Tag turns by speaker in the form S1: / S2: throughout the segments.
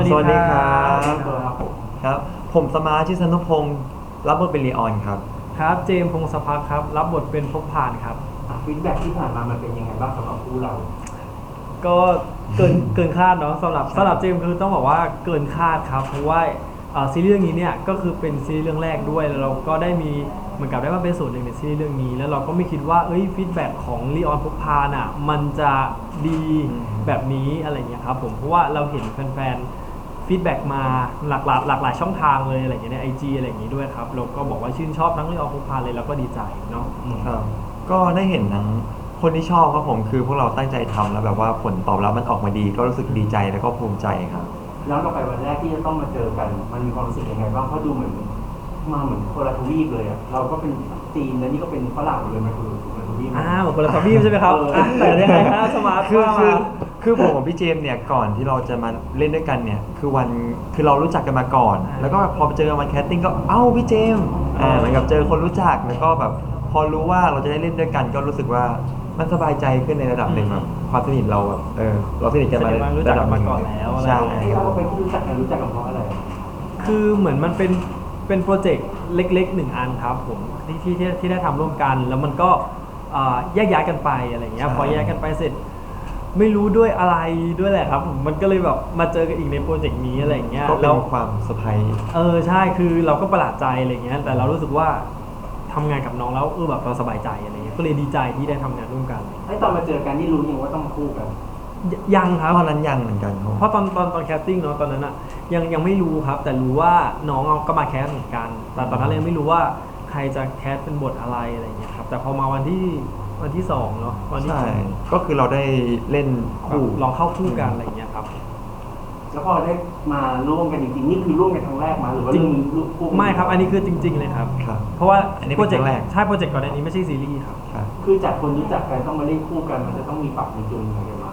S1: สวัสดีครั
S2: ครับผม
S1: ครับผมสมาร์ทชิสนุพงศ์รับบทเป็นลีออนครับ
S3: ครับเจมส์พงศพักครับรับบทเป็นพบผ่านครับ
S2: ฟีดแบ็กที่ผ่านมามันเป็นยังไงบ้างสำหรับคู่เรา
S3: ก็เกินคาดเนาะสำหรับเจมส์คือต้องบอกว่าเกินคาดครับเพราะว่าซีรีส์เรื่องนี้เนี่ยก็คือเป็นซีรีส์เรื่องแรกด้วยแล้วเราก็ได้มีเหมือนกับได้มาเป็นส่วนหนึ่งในซีรีส์เรื่องนี้แล้วเราก็ไม่คิดว่าฟีดแบ็กของลีออนพบพานอ่ะมันจะดีแบบนี้อะไรเงี้ยครับผมเพราะว่าเราเห็นแฟนฟีดแบ็กมาหลากหลายช่องทางเลยอะไรอย่างเงี้ยใน IG อะไรอย่างงี้ด้วยครับเราก็บอกว่าชื่นชอบทั้งลีออนพบพานเลยแล้วก็ดีใจเนาะ
S1: ครับก็ได้เห็นทั้งคนที่ชอบครับผมคือพวกเราตั้งใจทำแล้วแบบว่าผลตอบรับมันออกมาดีก็รู้สึกดีใจแล้วก็ภูมิใจครับ
S2: แล้วเราไปวันแรกที่จะต้องมาเจอกันมันมีความรู้สึกยังไงบ้างเพราะดูเหมือนมาเหมือนคนละทวีปเลยอ่ะเราก็เป็นจีนแล้วนี่ก็เป็นฝรั่งเลยมันคือคนละทวีป
S3: เหมือนคนละทวีปใช่ไหมครับแต่ยังไงฮะสมาร์ท
S1: คือผมกับพี่เจมส์เนี่ยก่อนที่เราจะมาเล่นด้วยกันเนี่ยคือเรารู้จักกันมาก่อนแล้วก็พอไปเจอวันแคสติ้งก็พี่เจมส์เหมือนกับเจอคนรู้จักแล้วก็แบบพอรู้ว่าเราจะได้เล่นด้วยกันก็รู้สึกว่ามันสบายใจขึ้นในระดับหนึ่งแบบความสนิทเราแบบเราสนิทกันมาระดับ
S3: มาก่อนแล้ว
S1: ใช่
S2: ที่เราไปรู้จักกันเพราะอะไร
S3: คือเหมือนมันเป็นโปรเจกต์เล็กๆ1 อันครับผมที่ได้ทำร่วมกันแล้วมันก็แยกย้ายกันไปอะไรเงี้ยพอแยกกันไปเสร็จไม่รู้ด้วยอะไรด้วยแหละครับมันก็เลยแบบมาเจอกันอีกในโปรเจกต์นี้อะไรเงี้ย
S1: ก็เป็นความเซอร์ไพรส์
S3: ใช่คือเราก็ประหลาดใจอะไรเงี้ยแต่เรารู้สึกว่าทำงานกับน้องแล้วแบบเราสบายใจอะไรเงี้ยก็เลยดีใจที่ได้ทำงานร่วมกัน
S2: ตอนมาเจอกันนี่รู้ยังว่าต้องมาคู่กัน
S3: ยังครับ
S1: ตอนนั้นยังเหมือนกัน
S3: เพราะตอนแคสติ้งเนาะตอนนั้นอะยังไม่รู้ครับแต่รู้ว่าน้องก็มาแคสเหมือนกันแต่ตอนนั้นยังไม่รู้ว่าใครจะแคสเป็นบทอะไรเงี้ยครับแต่พอมาวันที่2เนาะวันที่
S1: ใช่ก็คือเราได้เล่นคู่
S3: ลองเข้าคู่กันอะไรเงี้ยครับ
S2: แล้วพอได้มาร่วมกันจริงๆนี่คือร่วมกันครั้งแรกมาหรือว่าเรื่องคู่
S3: ไม่ครับอันนี้คือจริงๆเลยครับเพราะว่าโปรเจกต์
S1: แรก
S3: ใช่โปรเจกต์ก่อนอันนี้ไม่ใช่ซีรีส์ครับ
S2: คือจากคนรู้จักกันต้องมาเล่นคู่กันมันจะต้องมีปรับมีจูนอะไรกันมา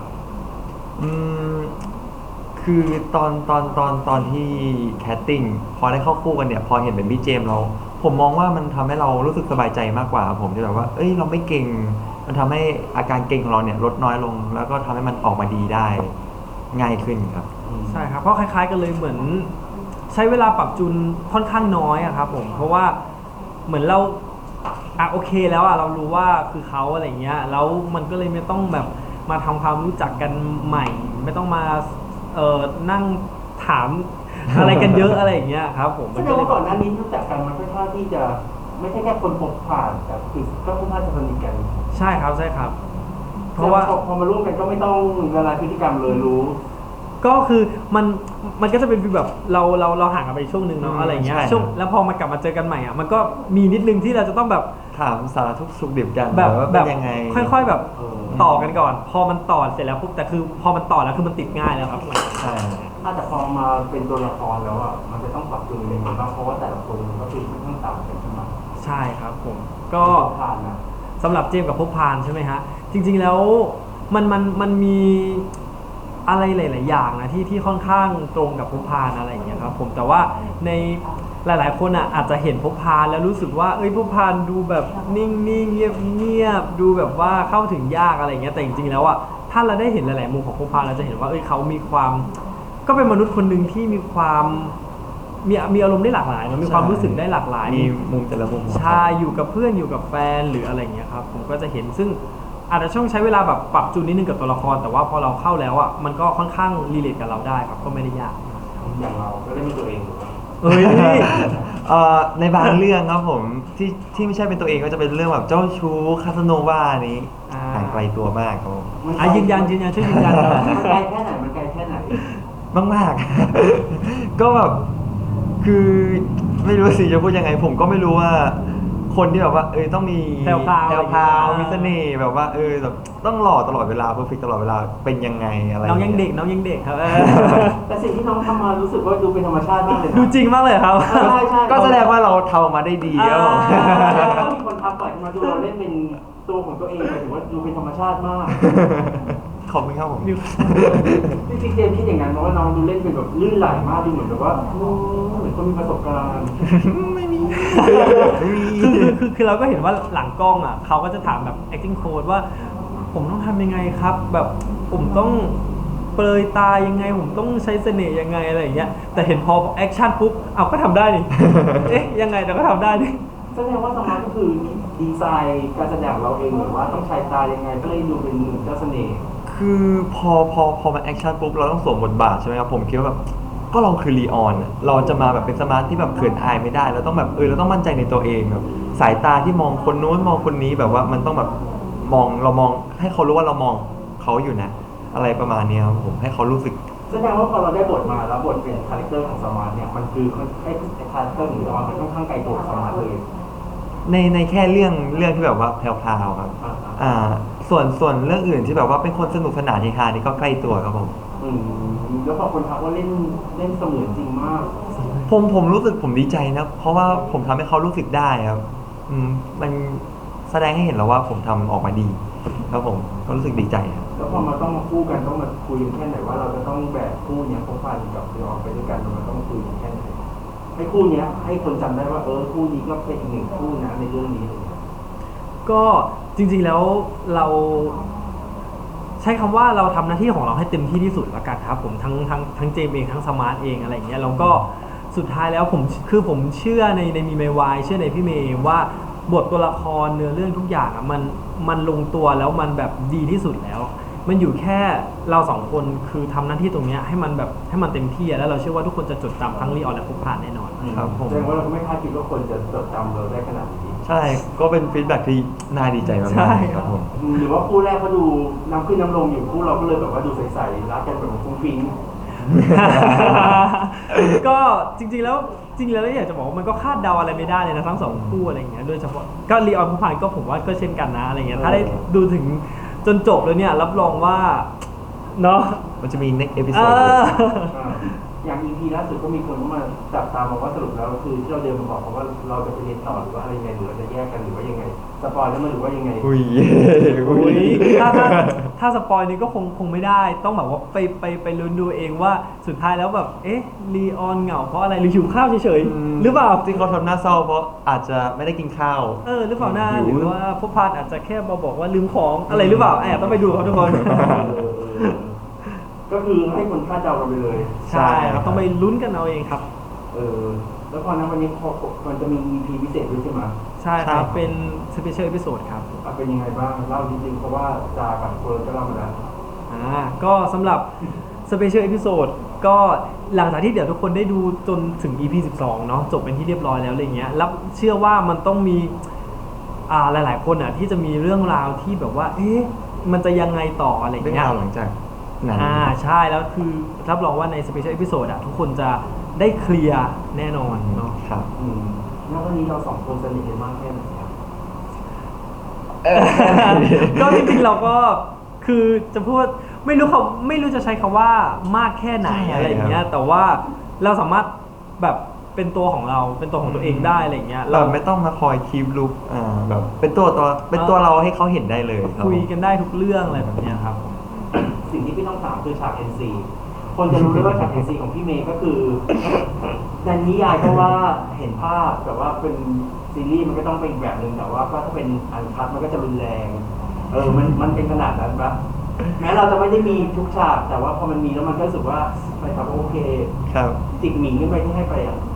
S1: คือตอนที่แคสติ้งพอได้เข้าคู่กันเนี่ยพอเห็นเป็นพี่เจมส์เราผมมองว่ามันทำให้เรารู้สึกสบายใจมากกว่าผมที่แบบว่าเราไม่เก่งมันทำให้อาการเก่งของเราเนี่ยลดน้อยลงแล้วก็ทำให้มันออกมาดีได้ง่ายขึ้นครับ
S3: ใช่ครับเพราะคล้ายๆกันเลยเหมือนใช้เวลาปรับจูนค่อนข้างน้อยอะครับผมเพราะว่าเหมือนเราโอเคแล้วเรารู้ว่าคือเขาอะไรเงี้ยแล้วมันก็เลยไม่ต้องแบบมาทำความรู้จักกันใหม่ไม่ต้องมานั่งถามอะไรกันเยอะอะไรอย่างเงี้ยครับผม
S2: แสดงว่าก่อนหน้านี้รู้จักกันมันค่อนข้างที่จะไม่ใช่แค่คนพบผ่านแต่คือก็ค่อนข้างจะสนิทกัน
S3: ใช่ครับ
S2: เพราะว่าพอมาร่วมกันก็ไม่ต้องละลายพฤติกรรมเลยรู้
S3: ก็คือมันก็จะเป็นแบบเราห่างกันไปช่วงนึงเนาะอะไรเงี้ยช่วงแล้วพอมากลับมาเจอกันใหม่มันก็มีนิดนึงที่เราจะต้องแบบ
S1: ถามสารทุกสุขดิบกัน
S3: แบบ
S1: ยังไง
S3: ค่อยๆแบบต่อกันก่อนพอมันต่อเสร็จแล้วปุ๊บแต่คือพอมันต่อแล้วคือมันติดง่ายแล้วครับ
S1: ใช่
S2: แต่พอมาเป็นตัวละครแล้วมันจะต้องปรับตัวยังไงบ้างเพราะว่าแต่ละคนก็คือค่อนข้างต่างกันใช่ไหม
S3: ใช่ครับผมก็สำหรับเจมส์กับพบพานใช่ไหมฮะจริงๆแล้วมันมีอะไรหลายๆอย่างนะที่ค่อนข้างตรงกับพบพานอะไรอย่างเงี้ยครับผมแต่ว่าในหลายๆคนอาจจะเห็นพบพานแล้วรู้สึกว่าพบพานดูแบบนิ่งๆเงียบๆดูแบบว่าเข้าถึงยากอะไรอย่างเงี้ยแต่จริงๆแล้วถ้าเราได้เห็นหลายๆมุมของพบพานเราจะเห็นว่าเขามีความก็เป็นมนุษย์คนหนึ่งที่มีความมีอารมณ์ได้หลากหลายมีความรู้สึกได้หลากหลาย
S1: มีมุมแต่ละมุม
S3: ใช่อยู่กับเพื่อนอยู่กับแฟนหรืออะไรอย่างเงี้ยครับผมก็จะเห็นซึ่งอาจจะต้องใช้เวลาแบบปรับจูนนิดนึงกับตัวละครแต่ว่าพอเราเข้าแล้วมันก็ค่อนข้างรีเลทกับเราได้ครับก็ไม่ได้ยาก
S2: อย่างเราก็ได้เป็นตัวเอง
S1: ในบางเรื่องครับผมที่ไม่ใช่เป็นตัวเองก็จะเป็นเรื่องแบบเจ้าชู้คาสโนวานี้ห่างไกลตัวมากครับผม
S3: ยืนยันช่วยยืนยัน
S2: มันไกลแค่ไหน
S1: มากๆก็แบบคือไม่รู้สิจะพูดยังไงผมก็ไม่รู้ว่าคนที่แบบว่าต้องมี
S3: แพรว
S1: มีเสน่ห์แบบว่าแบบต้องหล่อตลอดเวลาเพอร์เฟคตลอดเวลาเป็นยังไงอะไร
S3: น้องยังเด็กครับ
S2: แต่สิ่งที่น้องทำมารู้สึกว่าดูเป็นธรรมชาติมากเลย
S3: ดูจริงมากเลยครับ
S2: ใช่
S1: ก็แสดงว่าเราทำมาได้ดีแล้ว
S2: มีคนทักก่อนมาดูเราเล่นเป็นตัวของตัวเองหมายถึงว่าดูเป็นธรรมชาติมาก
S1: ขอบคุณครับผม
S2: จริงๆเจมคิดอย่างนั้นเพราะว่าน้องดูเล่นเป็นแบบลื่นไหลมากดูเหมือนแบบว่าเหมือนคนมีประสบการณ์
S1: ไม่มี
S3: คือเราก็เห็นว่าหลังกล้องเขาก็จะถามแบบ acting coach ว่าผมต้องทำยังไงครับแบบผมต้องเปรยตายังไงผมต้องใช้เสน่ห์ยังไงอะไรอย่างเงี้ยแต่เห็นพอแอคชั่นปุ๊บเอาก็ทำได้นี่ เอ๊ะยังไงแต่ก็ทำได้นี่
S2: แสดงว่าสมาร์ทก็คือดีไซน์การแสดงของเราเองหรือว่าต้องใช้ตายังไงเพื่อให้ดูเป็นเจ้าเสน่ห์
S1: คือพอมันแอคชั่นปุ๊บเราต้องสวมบทบาทใช่ไหมครับผมคิดว่าแบบก็เราคือลีออนอะเราจะมาแบบเป็นสมาร์ทที่แบบเขินอายไม่ได้เราต้องแบบเราต้องมั่นใจในตัวเองแบบสายตาที่มองคนนู้นมองคนนี้แบบว่ามันต้องแบบเรามองให้เขารู้ว่าเรามองเขาอยู่นะ อะไรประมาณเนี้ยครับผมให้เขารู้สึก
S2: แสดงว่าพอเราได้บทมาแล้วบทเป็นคาแรคเตอร์ของสมาร์ทเนี่ยมันคือไอ้คาแรคเตอร์ของสมาร์ทมันค่อนข้างไกลตัวสมาร์ทเลย
S1: ในแค่เรื่องที่แบบว่าแพรวๆครับ
S2: อ่า
S1: ส่วนเรื่องอื่นที่แบบว่าเป็นคนสนุกสนานเฮฮานี่ก็ใกล้ตัวครับผม
S2: อืมแล้วพอคนทักว่าเล่นเสมือนจริงมาก
S1: ผมรู้สึกผมดีใจนะเพราะว่าผมทำให้เขารู้สึกได้ครับมันแสดงให้เห็นแล้วว่าผมทำออกมาดีครับผมก็รู้สึกดีใจครับ
S2: แล้วพอมาต้องมาคู่กันต้องมาคุยกันแค่ไหนว่าเราจะต้องแบกคู่เนี้ยพบพันกับเดี๋ยวออกไปด้วยกันมันต้องคุยกันแค่ไหนให้คู่เนี้ยให้คนจำได้ว่าคู่นี้ก็เป็นอีกหนึ่งคู่นะในเรื่องนี้
S3: ก็จริงๆแล้วเราใช้คำว่าเราทำหน้าที่ของเราให้เต็มที่ที่สุดละกันครับผมทั้งเจมเองทั้งสมาร์ทเองอะไรอย่างเงี้ยแล้วก็สุดท้ายแล้วผมเชื่อในมีเมย์วายเชื่อในพี่เมย์ว่าบทตัวละครเนื้อเรื่องทุกอย่างอ่ะมันลงตัวแล้วมันแบบดีที่สุดแล้ว มันอยู่แค่เราสองคนคือทำหน้าที่ตรงเนี้ยให้มันแบบให้มันเต็มที่แล้วเราเชื่อว่าทุกคนจะจดจำทั้งลีออนและพบผ่านแน่นอน
S1: ครับผม
S2: แสดงว่าเราก็ไม่คาดคิดว่าคนจะจดจำเราได้ขนาดนี้
S1: ใช่ก็เป็นฟีดแบ็กที่น่าดีใจมาก
S3: ใช่
S1: ๆครับผม
S2: หรือว่าคู่แรกเขาดูน้ำขึ้นน้ำลงอยู่คู่เราก็เลยแบบว่าดูใสๆรักกันแบบฟุ้งฟิ้ง
S3: ก็จริงๆแล้วอยากจะบอกว่ามันก็คาดเดาอะไรไม่ได้เลยนะทั้งสองคู่อะไรอย่างเงี้ยโดยเฉพาะก็ลีออนผู้ผ่านก็ผมว่าก็เช่นกันนะอะไรเงี้ยถ้าได้ดูถึงจนจบแล้วเนี่ยรับรองว่าเนาะ
S1: มันจะมี next
S3: เอ
S1: episode
S3: อ
S2: อย่าง EP ล่าสุดก็มีคนเข้ามาจับตามองว่าสรุปแล้วคือที่เราเดินมาบอกเขาว่าเราจะไปเรียนต่อหรือว่าอะไรยังไงหรือเราจะแยกกันหรือว่ายังไงสปอยแล้วมันหรือว่ายังไง
S1: อุ้ย
S3: อุ้ยถ้าสปอยนี้ก็คงไม่ได้ต้องแบบว่าไปลุ้นดูเองว่าสุดท้ายแล้วแบบเอ๊ะลีออนเหงาเพราะอะไรหรือหิวข้าวเฉยๆหรือเปล่า
S1: ที่เขาทำหน้าเศร้าเพราะอาจจะไม่ได้กินข้าว
S3: หรือเปล่าหน้า
S1: หิว
S3: หรือว่าพบพานอาจจะแค่มาบอกว่าลืมของอะไรหรือเปล่าต้องไปดูครับทุกคน
S2: ก็คือให้คนคาดเดากันไปเลย
S3: ใช่ครับต้องไปลุ้นกันเอาเองครับ
S2: แล้วพอนั้นวันนี้มันจะมี EP พิเศษด้วยใช่ไหม
S3: ใช่ครับเป็นสเปเชียลเอพิโซดครับ
S2: เป็นยังไงบ้างเล่าจริงๆเพราะว่าจากับเฟิร์นก็เล่ามาแล้ว
S3: ก็สำหรับสเปเชียลเอพิโซดก็หลังจากที่เดี๋ยวทุกคนได้ดูจนถึง EP 12 เนาะจบเป็นที่เรียบร้อยแล้วอะไรเงี้ยแล้วเชื่อว่ามันต้องมีหลายๆคนที่จะมีเรื่องราวที่แบบว่ามันจะยังไงต่ออะไร
S1: เรื่อง
S3: เงี้ย
S1: ราวหลังจากนั้น
S3: ใช่แล้วคือรับรองว่าในสเปเชียลเอพิโซดทุกคนจะได้เคลียร์แน่นอนเนาะ
S1: ครับ
S2: แล้ววันนี้เราสองคนสนิทกันมากแค่ไหนครับ
S3: ก็จริงๆเราก็คือจะพูดไม่รู้จะใช้คำว่ามากแค่ไหน
S1: ใช่
S3: อะไรอย่างเงี้
S1: ค
S3: ย
S1: รับ
S3: แต่ว่าเราสามารถแบบเป็นตัวของเราเป็นตัวของตัวเองได้อะไรอย่างเงี้ย
S1: เราไม่ต้องมาคอยคีปลุกแบบเป็นตัวเราให้เขาเห็นได้เลยครับ
S3: คุยกันได้ทุกเรื่องอะไรแบบเนี้ยครับ
S2: สิ่งที่พี่ต้องถามคือฉาก NC คนจะรู้ได้ว่าฉาก NC ของพี่เมย์ก็คือในนิยายก็ว่าเห็นภาพแต่ว่าเป็นซีรีส์มันก็ต้องเป็นอีกแบบหนึ่งแต่ว่าก็ถ้าเป็นอันคัทมันก็จะรุนแรงมันเป็นขนาดนั้นปะแม้เราจะไม่ได้มีทุกฉากแต่ว่าพอมันมีแล้วมันก็รู้สึกว่าไปทำโอเค
S1: ครับ
S2: จิกหมิงขึ้นไปที่ให้ไปอ่ะ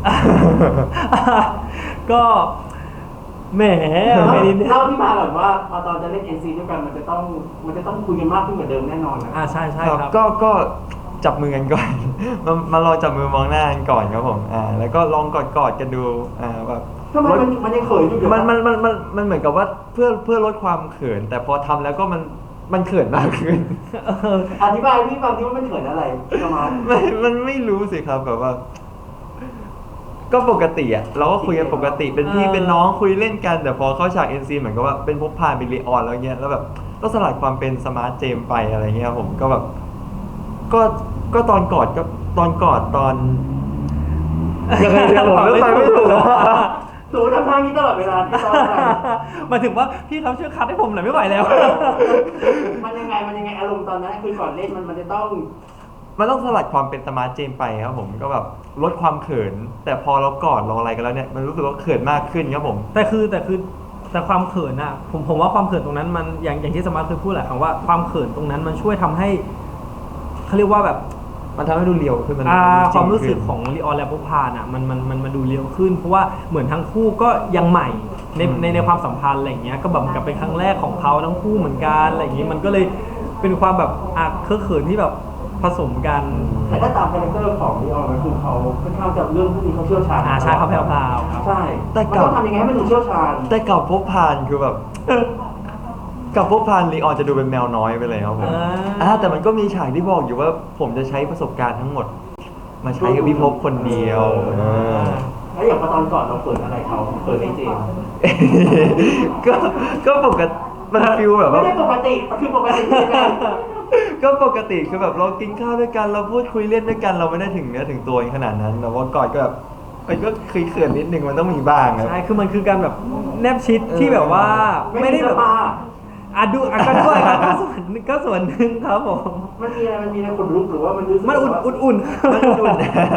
S3: ก็แหมไม่นิดนึง
S2: เล่าที่มาก่อนว่าพอตอนจะเล่น NC ด้วยกันมันจะต้องคุยกันมากขึ้นกว่าเดิมแน่นอนนะ
S3: ใช่ครับ
S1: ก็จับมือกันก่อน มาลองจับมือมองหน้ากันก่อนครับผมแล้วก็ลองกอดกันดูแบบ
S2: ทำไมมันยังเขินอยู่เดี๋ยว
S1: มันเหมือนกับว่าเพื่อลดความเขิน แต่พอทำแล้วก็มันเขินมากขึ้น
S2: อธิบายพี่ฟังที่ว่ามันเขินอะไรประมาณ
S1: มันไม่รู้สิครับแบบว่า ก็ปกติเราก็คุยกันปกติเป็นพี่เป็นน้องคุยเล่นกันแต่พอเข้าฉาก NC เหมือนกับว่าเป็นพบพานเป็นลีออนแล้วเงี้ยแล้วแบบก็สลัดความเป็นสมาร์ทเจมไปอะไรเงี้ยผมก็แบบก็ตอนกอดยังไงเดี๋ยวผมเลือกไปไม่ถูก
S2: หนูทำท่านี้ตลอดเวลาที่ตอนอะไร
S3: หมายถึงว่าพี่เขาช่วยคัดให้ผมหน่อยไม่ไหวแล้ว
S2: มันยังไงอารมณ์ตอนนั้นคือก่อนเล่นมันจะต้อง
S1: มันต้องสลัดความเป็นสมาร์ทเจมไปครับผมก็แบบลดความเขิน แต่พอเรากอดเราอะไรกันแล้วเนี่ยมันรู้สึกว่าเขินมากขึ้นครับผม
S3: แต่ความเขินผมว่าความเขินตรงนั้นมันอย่างที่สมาร์ทเคยพูดแหละคำว่าความเขินตรงนั้นมันช่วยทำให้เขาเรียกว่าแบบ
S1: มันทำให้ดูเรียวขึ้นมันจง
S3: ความรู้สึก
S1: ขึ้น
S3: ของลีออนและพบพานอ่ะมันมาดูเรียวขึ้น เพราะว่าเหมือนทั้งคู่ก็ยังใหม่ในความสัมพันธ์อะไรอย่างเงี้ยก็แบบกับเป็นครั้งแรกของเขาทั้งคู่เหมือนกันอะไรอย่างงี้มันก็เลยเป็นความแบบเคอะเขินที่แบบผสมกัน
S2: แต่ถ้าตามคาแรคเตอร์ของลีออนก็คือเขาค่อนข้างจะเรื่องพวกนี้เขาเชี่ยวชาญ
S3: ใช่เขาแพรวๆครับ
S2: ใช่
S1: แต่
S2: มัน
S1: กับ
S2: ต้องทำยังไงให้มันดูเชี่ยวชาญ
S1: แต่กับพบพานคือแบบ กับพบพานลีออนจะดูเป็นแมวน้อยไปเลยครับผมแต่มันก็มีฉากที่บอกอยู่ว่าผมจะใช้ประสบการณ์ทั้งหมด มาใช้กับพี่พบคนเดียว
S2: แล้วอย่างพอตอนก่อนเราเปิดอะไรเขาเปิดไอเจมส์
S1: ก็ปกติมันฟิลแบบ
S2: ไม่
S1: ว่า
S2: ได้ปกติคือปกติยังไง
S1: ก็ปกติคือแบบเรากินข้าวด้วยกันเราพูดคุยเล่นด้วยกันเราไม่ได้ถึงเนื้อถึงตัวขนาดนั้นแต่ว่ากอดก็แบบมันก็เขินๆนิดนึงมันต้องมีบ้างครับ
S3: ใช่คือมันคือการแบบแนบชิดที่แบบว่าไม่ได้แบบ
S2: สปา
S3: ดูก็ด้วยครับก็ส่วนหนึ่งครับผม
S2: มันมีอะไรคนลุกหรือว่ามันรู้สึก
S3: มันอุ่นๆ
S1: มันอุ่น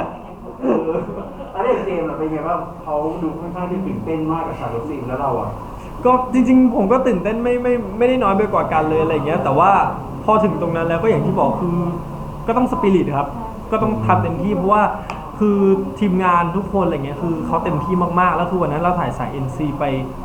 S2: แล้วอย่างเจมส์เป็นไงบ้างเขาดูค่อนข้างที่ตื่นเต้นมากกับฉากรถซีนแล้วเราอ่ะ
S3: ก็จริงๆผมก็ตื่นเต้นไม่ได้น้อยไปกว่ากันเลยอะไรอย่างเงี้ยแต่ว่าพอถึงตรงนั้นแล้วก็อย่างที่บอกคือก็ต้องสปิริตครับก็ต้องทำเต็มที่เพราะว่าคือทีมงานทุกคนอะไรเงี้ยคือเขาเต็มที่มากๆแล้วคือวันนั้นเราถ่ายสาย NC ไป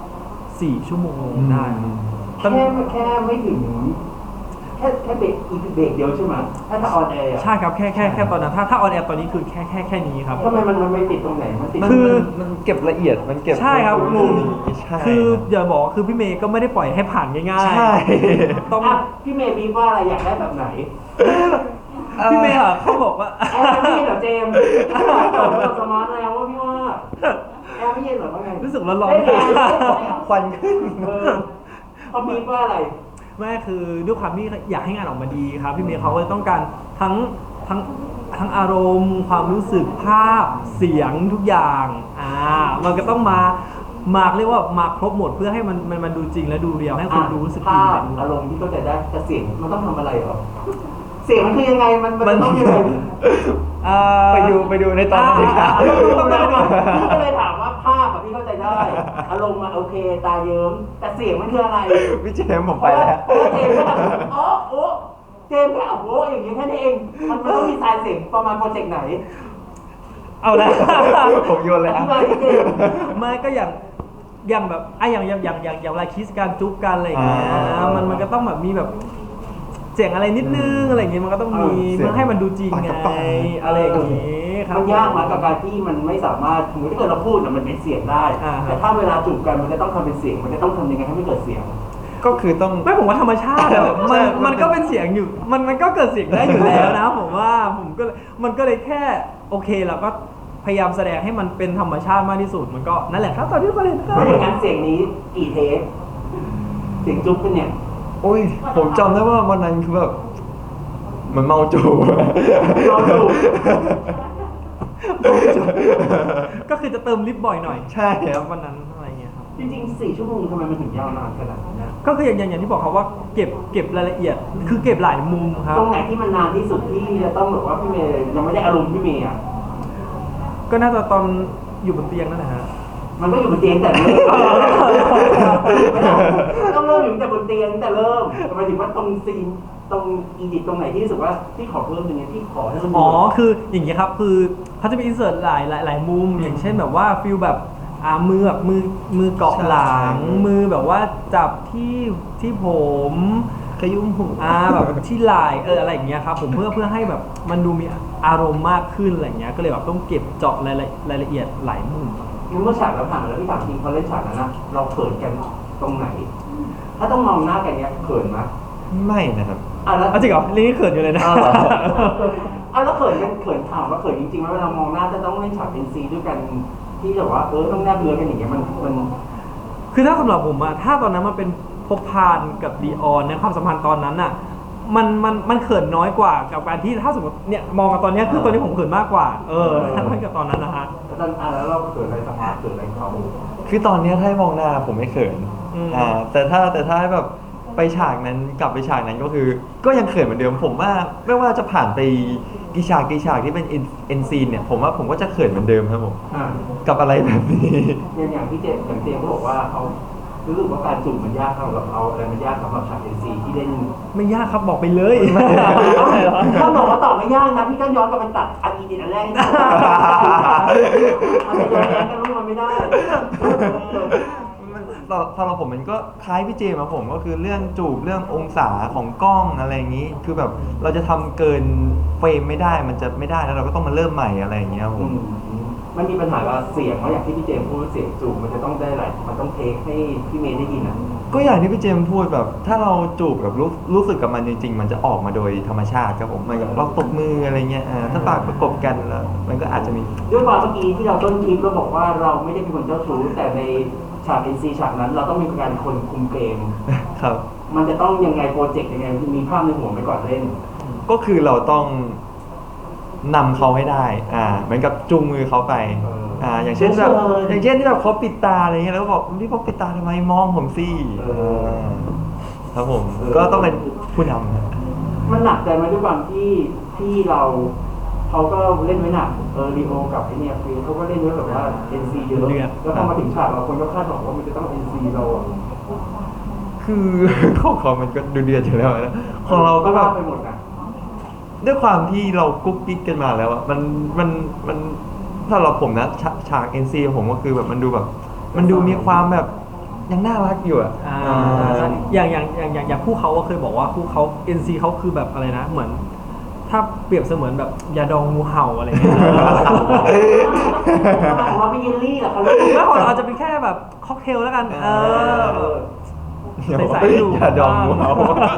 S3: 4 ชั่วโมงได้ครับ
S2: แค่ไม่ถึงแค่เบรกอีกเบรกเดียวใช่ไหมถ้าออนแอร์
S3: ใช่ครับแค่ตอนนั้นถ้าออนแอร์ตอนนี้คือแค่นี้ครับ
S2: ทำไมมันไม่ติดตรงไหนมันติด
S1: มันเก็บละเอียดมันเก็บ
S3: ใช่ครับ
S1: มุมใช่
S3: คืออย่าบอกว่าคือพี่เมย์ก็ไม่ได้ปล่อยให้ผ่านง่ายๆ
S1: ใช่
S3: ต้อง
S2: พี่เมย์บีว่าอะไรอยากได้แบบไหน
S3: พี่เมย์อะเขาบอกว่า
S2: แอร์ไม่เย็นเหรอเจมส์ตอบสมาร์ทแล้วว่าพี่ว่าแอร์ไม่เย็นเหรอว่าไง
S3: รู้สึกร้อน
S1: ควันขึ้น
S2: เขาบีว่าอะไร
S3: ๆไม่คือด้วยความที่อยากให้งานออกมาดีครับพี่เมย์เขาก็เลยต้องการทั้งอารมณ์ ความรู้สึกภาพเสียงทุกอย่างมันก็ต้องมาเรียกว่ามาครบหมดเพื่อให้มันดูจริงและดูเรียวให้คนดูรู้สึก
S2: ภา
S3: ดี
S2: พอารมณ์ที่เข้าใจได้แต่เสียงมันต้องทำอะไรเหรอเสียงมันคือยังไงมันต้องยังไง
S1: ไปดูในตอนนั้นดีครับ
S2: ต้องได้ก่อนพี่ก็เลยถามว่าภาพพี่เข้าใจได้ อารมณ์โอเคตาเยิ้มแต่เสียงมันคืออะไร
S1: พี่เจมส์ผมไปแล้ว
S2: เพราะว่าเจมส์ก็แบบอ๋อโอ้เจมส์แค่โอ้อย่างนี้แค่นี้เองมันต้องมีสายเสียงประมาณโปรเจกต์ไหน
S3: เอาละ
S1: ผมโยนเลย
S2: อ
S1: ครั
S2: ธิ
S1: บ
S2: บายที่เจมส์
S3: ไม่ก็อย่างแบบอย่างเวลาคิสการจุ๊บกันอะไรอย่างเงี้ยมันก็ต้องแบบมีแบบเสียงอะไรนิดนึงอะไรอย่างเงี้ยมันก็ต้องมีเพื่อให้มันดูจริงไงอะไรอย่างเงี้ยครับ
S2: มันยากมากกับการที่มันไม่สามารถสมมติถ้าเกิดเราพูดมันเป็นเสียงได้ แต่ถ้าเวลาจูบกันมันจะต้องทำเป็นเสียงมันจะต้องทำยังไงให้ไม่เกิดเสียง
S1: ก็คือต้อง
S3: ไม่ผมว่าธรรมชาติอะ
S1: ใช่
S3: มันก็เป็นเสียงอยู่มันก็เกิดเสียงได้อยู่แล้วนะผมว่ามันก็เลยแค่โอเคเราก็พยายามแสดงให้มันเป็นธรรมชาติมากที่สุดมันก็นั่นแหละครับตอนที่ประเด็นครั
S2: ไม่
S3: บ
S2: อย่างนั้นเสียงนี้กี่เทปเสียงจุ๊บกันเนี่ย
S1: โอ้ยผมจำได้ว่าวันนั้นคือแบบเหมันเมาจู
S2: เมาจูบ
S3: ก็คือจะเติมลิปบ่อยหน่อย
S1: ใช่ครับ
S3: วันนั้นอะไรเงี้ยครับ
S2: จริงๆ4 ชั่วโมงทำไมมันถึงยาวนานขนาดนั้นนะ
S3: ก็คืออย่างที่บอกครับว่าเก็บรายละเอียดคือเก็บหลายมุมครับ
S2: ตรงไหนที่มันนานที่สุดที่จะต้องแบบว่าพี่เมย์ยังไม่ได้อารมณ์พี่เมย์อ่ะ
S3: ก็น่าจะตอนอยู่บนเตียงนั่นแหละฮะ
S2: มันก็อยู่บนเตียงแต่เริ่มต้องเริ่มอยู่แต่บนเตียงแต่เริ่มหมายถึงว่าตรงซีนตรงอีดิตตรงไหนที่รู้สึกว่าที่ขอเพิ่มตรงนี้ที่ขอให้มัน
S3: อ๋อคืออย่างเงี้ยครับคือเขาจะมีอินเสิร์ตหลายมุมอย่างเช่นแบบว่าฟิลแบบมือแบบมือเกาะหลัง มือแบบว่าจับที่ผม
S1: ขยุ้มหู
S3: แบบที่ไหล่อะไรอย่างเงี้ยครับผมเพื่อให้แบบมันดูมีอารมณ์มากขึ้นอะไรเงี้ยก็เลยแบบต้องเก็บเจาะรายละเอียดหลายมุม
S2: เมื่อฉากเราผ่านมาแล้วพี่ถามจริงเขาเล่นฉากนั้นนะเราเขินกันตรงไหน ถ้าต้องมองหน้ากันเนี้ยเขินไหม
S1: ไม่นะครับ
S2: แล้ว
S3: จริงเหรอนี่เขินอยู่เลยนะ
S2: แล้วเขินกันเขินถามว่าเขินจริงๆไหมเวลามองหน้าจะต้องเล่นฉากเป็นซีด้วยกันที่แบบว่าต้องแนบเนื้อกันอย่างเงี้ยมัน
S3: คือถ้าสำหรับผมอะถ้าตอนนั้นมันเป็นพบพานกับดีออนในความสัมพันธ์ตอนนั้นอะมันเขินน้อยกว่ากับการที่ถ้าสมมติเนี่ยมองกันตอนเนี้ยคือตอนนี้ผมเขินมากกว่าถ้าเทียบกับตอนนั้นนะฮะ
S2: แล้วเราเขินอะไรสมาร์ทเขินอะไรเขา
S1: คือตอนเนี้ยถ้าให้มองหน้าผมไม่เขิน แต่ถ้าให้แบบไปฉากนั้นกลับไปฉากนั้นก็คือ ก็ยังเขินเหมือนเดิมผมว่าไม่ว่าจะผ่านไปกี่ฉากที่เป็นเอ็นซีนเนี่ยผมว่าผมก็จะเขินเหมือนเดิมครับผมกับอะไรแบบนี้
S2: อย่างพี่เจมส์เขาบอกว่าเขารู้สึกว่าการจูบมันยากสำหรับเราอะไรมันยากสำหรับฉาก NC ที่เล่น
S3: ไม่ยากครับบอกไปเลย
S2: ถ้าบอกว่าตอบไม่ยากนะพี่ก็ย้อนกลับไปตัดอันอีดิทอันแรกนี่อาจจะย้อนแย้งกันรู้มันไม่ได้
S1: สำหรับผมมันก็คล้ายพี่เจมาผมก็คือเรื่องจูบเรื่ององศาของกล้องอะไรอย่างนี้ คือแบบเราจะทำเกินเฟรมไม่ได้มันจะไม่ได้แล้วเราก็ต้องมาเริ่มใหม่อะไรอย่างเงี้ยครับผม
S2: มันมีปัญหาว่าเสียงว่าอย่างที่พี่เจมส์พูดเสียงจูบมันจะต้องได้หลายมันต้องเทคให้พี่เมย์ได้ยินนะ
S1: ก็อย่างที่พี่เจมพูดแบบ ถ้าเราจูบแบบรู้สึกกับมันจริง ๆ มันจะออกมาโดยธรรมชาติครับผมเหมือนกับเราตบมืออะไรเงี้ยถ้าปากประกบกันแล้วมันก็อาจจะมี
S2: ด้วยความเมื่อกี้ที่เราต้นคลิปเราบอกว่าเราไม่ได้เป็นคนเจ้าชู้แต่ในฉาก NC ฉากนั้นเราต้องมีการคนคุมเกม
S1: ครับ
S2: มันจะต้องยังไงโปรเจกต์ยังไงมีภาพในหัวไปก่อนเล่น
S1: ก็คือเราต้องนำเขาให้ได้เหมือนกับจูงมือเขาไปอย่างเช่นแบบอย่างเช่นที่แบบเขาปิดตาอะไรเงี้ยแล้วก็บอกพี่เขาปิดตาทำไมมองผมสิครับผมก็ต้องเป็นผู้นำ
S2: มันหนักใจไหมด้วยความที่เราเขาก็เล่นไว้หนักรีโอกับไอเนี่ยฟีเขาก็เล่นไว้แบบว่า NC เยอะแล้วพอมาถึงฉากเราคนก็คาดหวังว่ามันจะต้อง NC เราอะ
S1: คือ ของเขามันก็ดูเดือดอยู่แล้วนะของเราก็แบบ
S2: ไปหมดนะ
S1: ด้วยความที่เรากุ๊กกิ๊กกันมาแล้วอะมันถ้าเราผมนะฉาก NC ผมก็คือแบบมันดูแบบ มันดูมีความแบบยังน่ารักอยู่อะ
S3: อย่างคู่เขาก็เคยบอกว่าคู่เขา NC เขาคือแบบอะไรนะเหมือน ถ้าเปรียบเสมือนแบบยาดองงูเห่าอะไรเงี้ย
S2: ของเราเป็นเยลลี่เหรอคะลูก
S3: แล้วของเราอาจจะเป็นแค่แบบค็อกเทลแล้วกันใส่ๆดู
S1: อย่าดองงูเห่า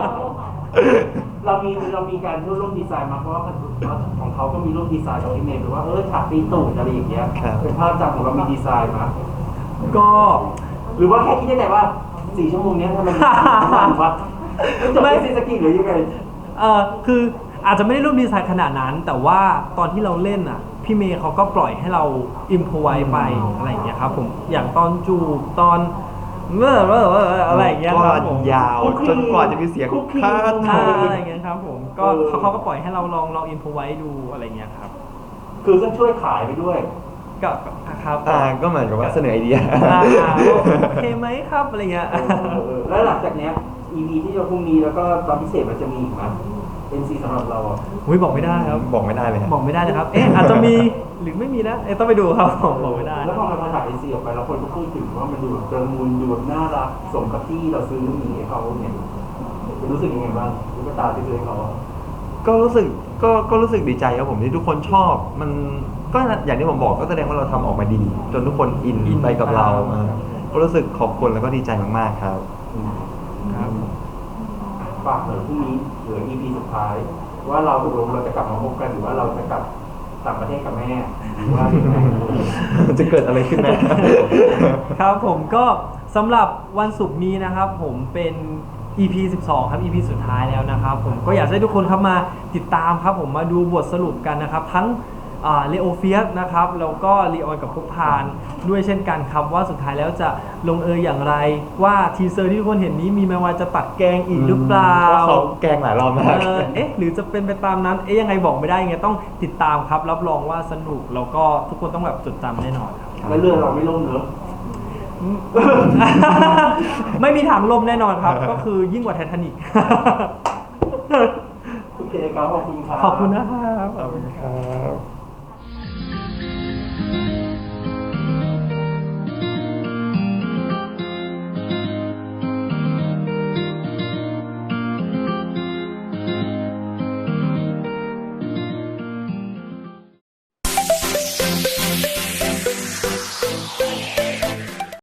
S2: เรามีการร่วมดีไซน์มาเพราะว่าของเขาก็มีร่วมดีไซน์กับพี่เมย์หรือว่าฉากตีตูดอะไรอย่างเงี้ยเป็นภาพจำของเรามีดีไซน์มา
S3: ก็
S2: หรือว่าแค่คิดได้แต่ว่า4 ชั่วโมงนี้ทำไมมันวะไม่ซีสกีหรือยังไง
S3: คืออาจจะไม่ได้ร่วมดีไซน์ขนาดนั้น แต่ว่าตอนที่เราเล่นอ่ะพี่เมย์เขาก็ปล่อยให้เราอิมพอไว้ไปอะไรอย่างเงี้ยครับผมอย่างตอนจูบตอนอะไรอย่างเงี้ยครับผม
S1: ยาวจนกว่าจะมีเสียงคาด
S3: อะไรอย่างเงี้ยครับผมก็เขาก็ปล่อยให้เราลองอิมพอไว้ดูอะไรอย่างเงี้ยครับ
S2: คือก็ช่วยขายไปด้วย
S3: ก็ครับ
S1: ก็เหมือนกับว่าเสนอไอเดีย
S3: โอเคไหมครับอะไรเงี้ย
S2: แล้วหลังจากเนี้ย EP ที่จะพรุ่งนี้แล้วก็ตอนพิเศษมันจะมีอีกไหม NC สำหรับเราอ่ะ
S3: อุ้ยบอกไม่ได้ครับ
S1: บอกไม่ได้เลยครับ
S3: บอกไม่ได้นะครับ อาจจะมีหรือไม่มีนะต้องไปดูครับผมบอกไม่ได้
S2: แล้วพอมันมาถ่าย NC ออกไปแล้วคนก็พูดถึงว่ามันดูแบบละมุนดูแบบน่ารักสมกับที่เราซื้อหมีให้เขาเนี่ยรู้สึกยังไงบ้างลูกตาที่ซื้อให้เขา
S1: ก็รู้สึกก็รู้สึกดีใจครับผมที่ทุกคนชอบ มันก็อย่างที่ผมบอกก็แสดงว่าเราทำออกมาดี จนทุกคนอินไปกับเราก็รู้สึกขอบคุณแล้วก็ดีใจมากๆครับ
S3: ครับ
S2: ฝากเลยพรุ่งนี้เหลือ EP สุดท้าย ว่าเราตกลงเราจะกลับมาพบกันหรือว่าเราจะกลับต่างประเทศกับแม่หรือว่ายังไง
S1: จะเกิดอะไรขึ้นนะ
S3: ครับผมก็สำหรับวันศุกร์นี้นะครับผมเป็น EP 12 ครับ EP สุดท้ายแล้วนะครับผมก็อยากให้ทุกคนครับมาติดตามครับผมมาดูบทสรุปกันนะครับทั้งเลโอเฟียสนะครับแล้วก็ลีออนกับพุกพานด้วยเช่นกันครับว่าสุดท้ายแล้วจะลงเอยอย่างไรว่าทีเซอร์ที่ทุกคนเห็นนี้มีแม้ว่าจะตัดแกงอีกหรือเปล่า
S1: ว่าเขาแกล้งหลายรอบมาก
S3: หรือจะเป็นไปตามนั้นยังไงบอกไม่ได้ยังไงต้องติดตามครับรับรองว่าสนุกแล้วก็ทุกคนต้องแบบจดจำแน่นอนครับ
S2: แล้วเรื่องเราไม่ล่มเนอะ
S3: ไม่มีทางล่มแน่นอนครับ ก็คือยิ่งกว่าไททานิก
S2: โอเคครับขอบคุณครับ
S3: ขอบคุณนะครับ
S1: ขอบคุณครับ